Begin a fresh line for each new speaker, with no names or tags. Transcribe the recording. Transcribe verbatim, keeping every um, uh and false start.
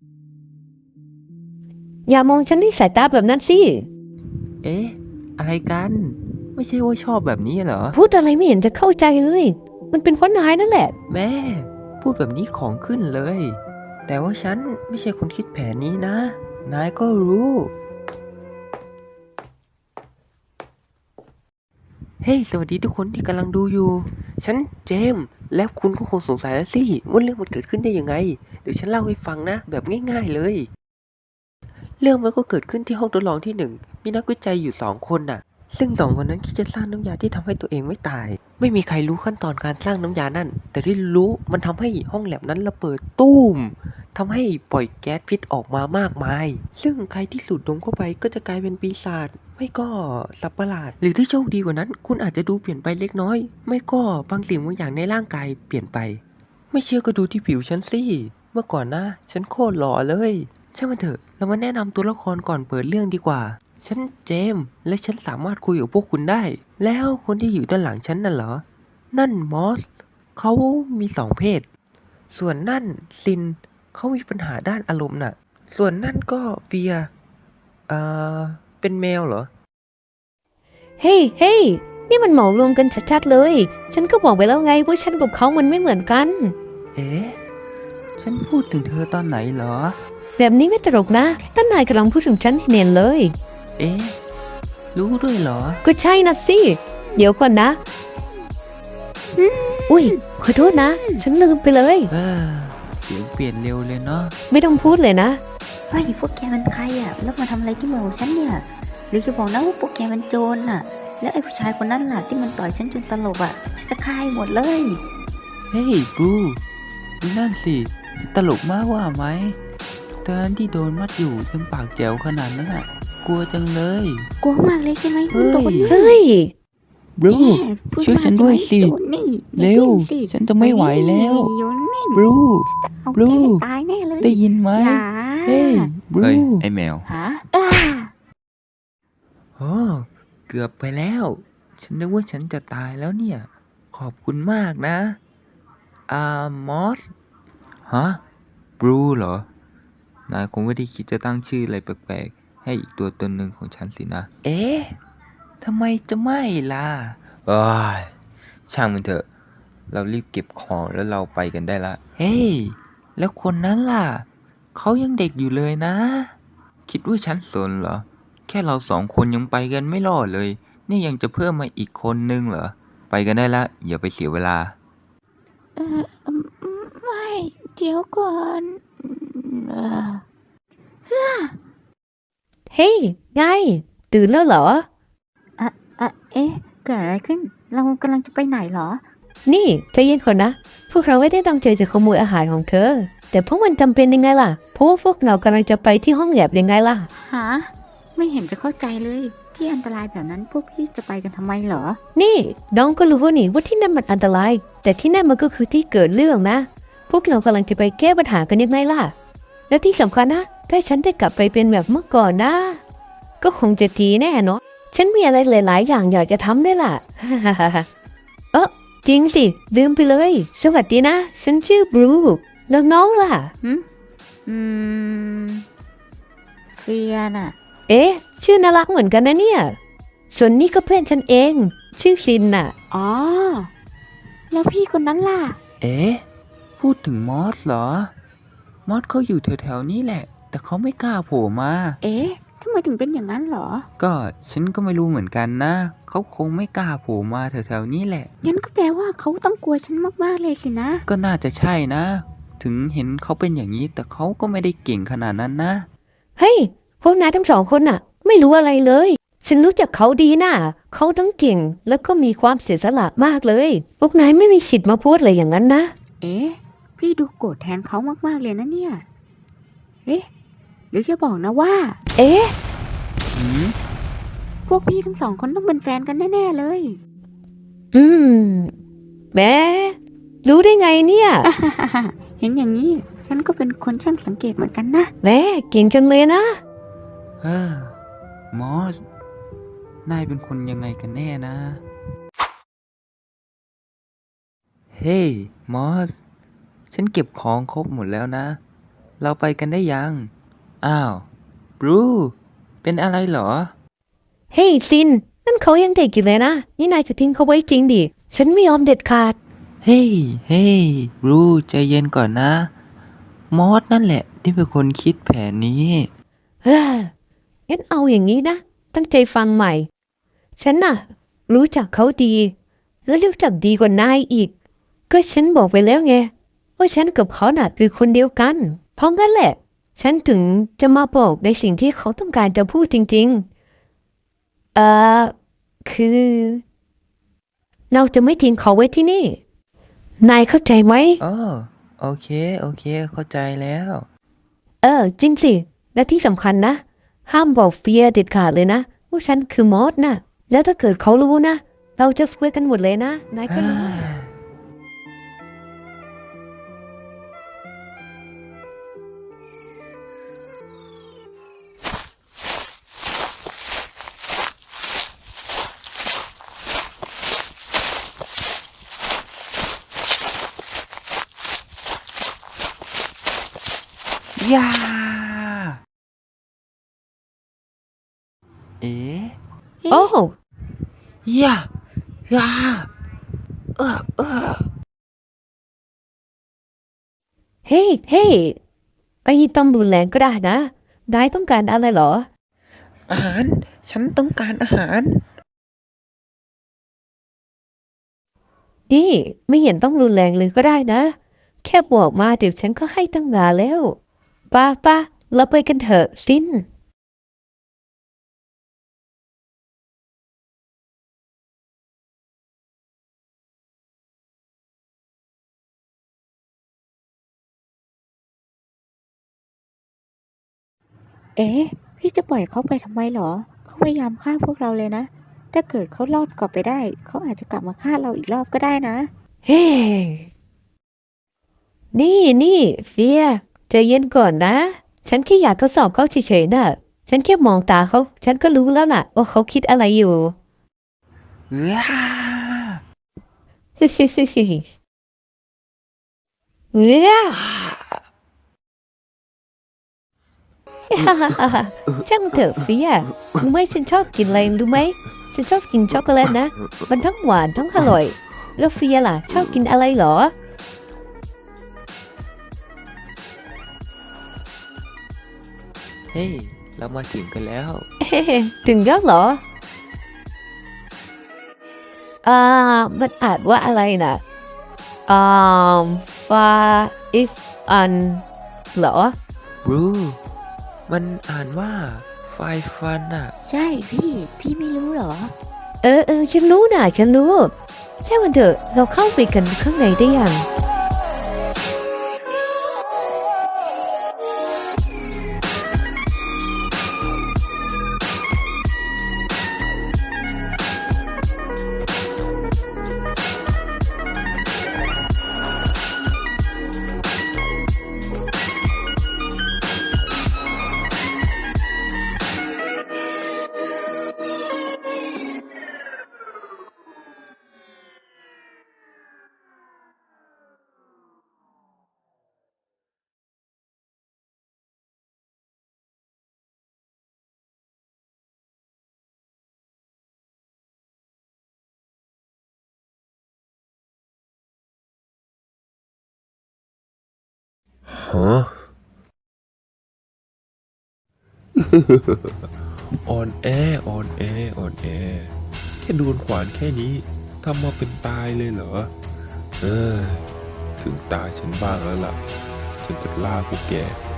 อย่ามองฉันด้วยสายตาแบบนั้นสิ
เอ๊ะอะไรกันไม่ใช่ว่าชอบแบบนี้เหรอ
พูดอะไรไม่เห็นจะเข้าใจเลยมันเป็นเพราะนายนั่นแหละ
แม่พูดแบบนี้ของขึ้นเลย แต่ว่าฉันไม่ใช่คนคิดแผนนี้นะ นายก็รู้ เฮ้ยสวัสดีทุกคนที่กำลังดูอยู่ ฉันเจมส์แล้วคุณก็คงสงสัยแล้วสิว่าเรื่องมันเกิดขึ้นได้ยังไง เดี๋ยวฉันเล่าให้ฟังนะ แบบง่ายๆเลย เรื่องมันก็เกิดขึ้นที่ห้องทดลองที่หนึ่งมีนักวิจัยอยู่สองคนน่ะ ซึ่งสองคนนั้นคิดจะสร้างน้ำยาที่ทำให้ตัวเองไม่ตาย ไม่มีใครรู้ขั้นตอนการสร้างน้ำยานั่น แต่ที่รู้มันทำให้ห้องแลบนั้นระเบิดตู้มทำให้ปล่อยแก๊สพิษออกมามากมาย ซึ่งใครที่สูดดมเข้าไปก็จะกลายเป็นปีศาจไม่ก็สัตว์ประหลาด หรือที่โชคดีกว่านั้น คุณอาจจะดูเปลี่ยนไปเล็กน้อย ไม่ก็บางสิ่งบางอย่างในร่างกายเปลี่ยนไป ไม่เชื่อก็ดูที่ผิวฉันสิเมื่อก่อนนะฉันโคตรหล่อเลยช่างมันเถอะเรามาแนะนำตัวละครก่อนเปิดเรื่องดีกว่า ฉันเจมส์และฉันสามารถคุยกับพวกคุณได้ แล้วคนที่อยู่ด้านหลังฉันน่ะเหรอ นั่นมอสเขามีสองเพศ ส่วนนั่นซินเขามีปัญหาด้านอารมณ์น่ะ ส่วนนั่นก็เฟียเอ่อเป็นแมวเหรอ
เฮ้ยเฮ้ยนี่มันเหมารวมกันชัดๆเลยฉันก็บอกไปแล้วไงว่าฉันกับเขามันไม่เหมือนกัน
เอ๊ะฉันพูดถึงเธอตอนไหนเหรอ
แบบนี้ไม่ตลกนะท่านนายกำลังพูดถึงฉันเนียนเลย
เอ๊ะรู้ด้วยเหรอ
ก็ใช่นะสิเดี๋ยวก่อนนะอุ้ยขอโทษนะ ฉันลืมไปเลย
เออเสียงเปลี่ยนเร็วเลยเนาะ
ไม่ต้องพูดเลยนะ
เฮ้ยพวกแกมันใครอ่ะแล้วมาทำอะไรที่เมืองของฉันเนี่ยหรือจะบอกนะว่าพวกแกมันโจรน่ะ แล้วไอ้ผู้ชายคนนั้นล่ะที่มันต่อยฉันจนสลบอ่ะฉันจะฆ่าให้หมดเลย
เฮ้ยบลูดูนั่นสิ ตลกมากว่าไหมตอนที่โดนมัดอยู่ยังปากแจ๋วขนาดนั้นอ่ะ กลัวจังเลย
กลัวมากเลยใช่ไหม
เฮ้ย
โดนนี่
เฮ้ย
บลู
แย่พูด
ช่วยฉัน
มาก
ด้วยสิ
ใช่ไหมโดนนี่อย่า
เร็ว
ดิ้นสิ
ฉันจะไม่ไหวแล้ว
โยนนิ่ง
บลู
เอา
บลู
แกให้ตายแน่เลย
ได้ยินไหม
อย่า
เฮ้ยบลู
เฮ้ย ไอแมว
ฮะอ้า
โอ้เกือบไปแล้ว ฉันนึกว่าฉันจะตายแล้วเนี่ย ขอบคุณมากนะ อ่ามอส ฮะ บลูเหรอ นายคงไม่ได้คิดจะตั้งชื่ออะไรแปลกๆ ให้อีกตัวตนหนึ่งของฉันสินะ เอ๊ะ ทำไมจะไม่ล่ะเอ้ยช่างมันเถอะ เรารีบเก็บของแล้วเราไปกันได้ละ เฮ้ย แล้วคนนั้นล่ะ เขายังเด็กอยู่เลยนะ คิดว่าฉันสนเหรอ แค่เราสองคนยังไปกันไม่รอดเลย นี่ยังจะเพิ่มมาอีกคนนึงเหรอ ไปกันได้ละ อย่าไปเสียเวลา
เอออืมไม่เดี๋ยวก่อนเออ
เฮ้ยไงตื่นแล้วเหรอ
อะอะเอ๊ะเกิดอะไรขึ้น เรากำลังจะไปไหนเหรอ
นี่ใจเย็นก่อนนะ พวกเราไม่ได้ตั้งใจจะขโมยอาหารของเธอ แต่พวกมันจำเป็นยังไงล่ะ เพราะว่าพวกเรากำลังจะไปที่ห้องแลบยังไงล่ะ
ฮะไม่เห็นจะเข้าใจเลย ที่อันตรายแบบนั้นพวกพี่จะไปกันทำไมเหรอ
นี่น้องก็รู้นี่ว่าที่นั่นมันอันตราย แต่ที่นั่นมันก็คือที่เกิดเรื่องนะ พวกเรากำลังจะไปแก้ปัญหากันยังไงล่ะ และที่สำคัญนะ ถ้าฉันได้กลับไปเป็นแบบเมื่อก่อนนะ ก็คงจะดีแน่เนาะฉันมีอะไรหลาย ๆ อย่างอยากจะทำได้วยล่ะ เออจริงสิลืมไปเลย สวัสดีนะ ฉันชื่อบรูแล้วน้องล่ะ
หืมอืมเฟียน่ะ
เอ๊ะ ชื่อน่ารักเหมือนกันนะเนี่ย ส่วนนี้ก็เพื่อนฉันเอง ชื่อซินน่ะ
อ๋อ แล้วพี่คนนั้นล่ะ
เอ๊ะ พูดถึงมอสเหรอ มอสเขาอยู่แถวๆนี้แหละ แต่เขาไม่กล้าโผล่มา
เอ๊ะทำไมถึงเป็นอย่างนั้นเหรอ
ก็ฉันก็ไม่รู้เหมือนกันนะ เขาคงไม่กล้าโผล่มาแถวๆนี้แหละ
งั้นก็แปลว่าเขาต้องกลัวฉันมากๆเลยสินะ
ก็น่าจะใช่นะ ถึงเห็นเขาเป็นอย่างนี้ แต่เขาก็ไม่ได้เก่งขนาดนั้นนะ
เฮ้ย พวกนายทั้งสองคนน่ะ ไม่รู้อะไรเลย ฉันรู้จักเขาดีน่ะ เขาทั้งเก่งแล้วก็มีความเสียสละมากเลย พวกนายไม่มีสิทธิ์มาพูดอะไรอย่างนั้นนะ
เอ๊ะ พี่ดูโกรธแทนเขามากๆเลยนะเนี่ย เอ๊ะ หรือจะบอกนะว่า
เอ๊ะ
หืม
พวกพี่ทั้งสองคนต้องเป็นแฟนกันแน่ๆเลย
อืมแหมรู้ได้ไงเนี่ย
เห็นอย่างนี้ ฉันก็เป็นคนช่างสังเกตเหมือนกันนะ
แหมเก่งจังเลยนะ
เออ มอส นายเป็นคนยังไงกันแน่นะ เฮ้ย มอส ฉันเก็บของครบหมดแล้วนะเราไปกันได้ยัง อ้าวบรูเป็นอะไรเหรอ
เฮ้ยซินนั่นเขายังเด็กอยู่เลยนะนี่นายจะทิ้งเขาไว้จริงดิฉันไม่ยอมเด็ดขาด
เฮ้ยเฮ้ยบรูใจเย็นก่อนนะ มอสนั่นแหละที่เป็นคนคิดแผนนี้
เฮ้องั้นเอาอย่างนี้นะตั้งใจฟังใหม่ ฉันน่ะ รู้จักเขาดี และรู้จักดีกว่านายอีก ก็ฉันบอกไปแล้วไงว่าฉันกับเขาน่ะคือคนเดียวกัน เพราะงั้นแหละ ฉันถึงจะมาบอกในสิ่งที่เขาต้องการจะพูดจริงๆ เอ่อ คือ เราจะไม่ทิ้งเขาไว้ที่นี่ นายเข้าใจไหม
อ๋อโอเค โอเค เข้าใจแล้ว
เออ จริงสิ และที่สำคัญนะ ห้ามบอกเฟียเด็ดขาดเลยนะว่าฉันคือมอสนะแล้วถ้าเกิดเขารู้นะ เราจะซวยกันหมดเลยนะ นายก็รู้
ยาเอ๋
โอ้
ยายาเออเออ
เฮ้ยเฮ้ยไอ้ต้องรุนแรงก็ได้นะ นายต้องการอะไรเหรอ
อาหาร ฉันต้องการอาหาร
นี่ไม่เห็นต้องรุนแรงเลยก็ได้นะ แค่บอกมาเดี๋ยวฉันก็ให้ตั้งนานแล้วป้าป้าเราไปกันเถอะสิน
เอ๊ะพี่จะปล่อยเขาไปทำไมเหรอ เขาพยายามฆ่าพวกเราเลยนะ ถ้าเกิดเขารอดกลับไปได้ เขาอาจจะกลับมาฆ่าเราอีกรอบก็ได้นะ
เฮ้ยนี่นี่เฟียใจเย็นก่อนนะ ฉันแค่อยากทดสอบเขาเฉยๆน่ะ ฉันแค่มองตาเขา ฉันก็รู้แล้วน่ะ ว่าเขาคิดอะไรอยู่
ยา
เฮ้ยเฮ้ยช่างมันเถอะเฟียรู้ไหมฉันชอบกินอะไรรู้ไหม ฉันชอบกินช็อกโกแลตนะ มันทั้งหวานทั้งอร่อย แล้วเฟียล่ะ ชอบกินอะไรเหรอ
เฮ้ย เรามาถึงกันแล้ว
เอ๊ะถึงแล้วเหรอ อ่า มันอ่านว่าอะไรนะอ่าฟาอิฟอันเหรอ
บรู มันอ่านว่า ไฟฟันอ่ะ
ใช่พี่ พี่ไม่รู้เหรอ
เออเออฉันรู้นะฉันรู้ ใช่มันเถอะ เราเข้าไปกันข้างในได้ยัง
ฮะ อ่อนแออ่อนแออ่อนแอแค่โดนขวานแค่นี้ทำมาเป็นตายเลยเหรอ เออ ถึงตาฉันบ้างแล้วล่ะ ฉันจะล่าพวกแก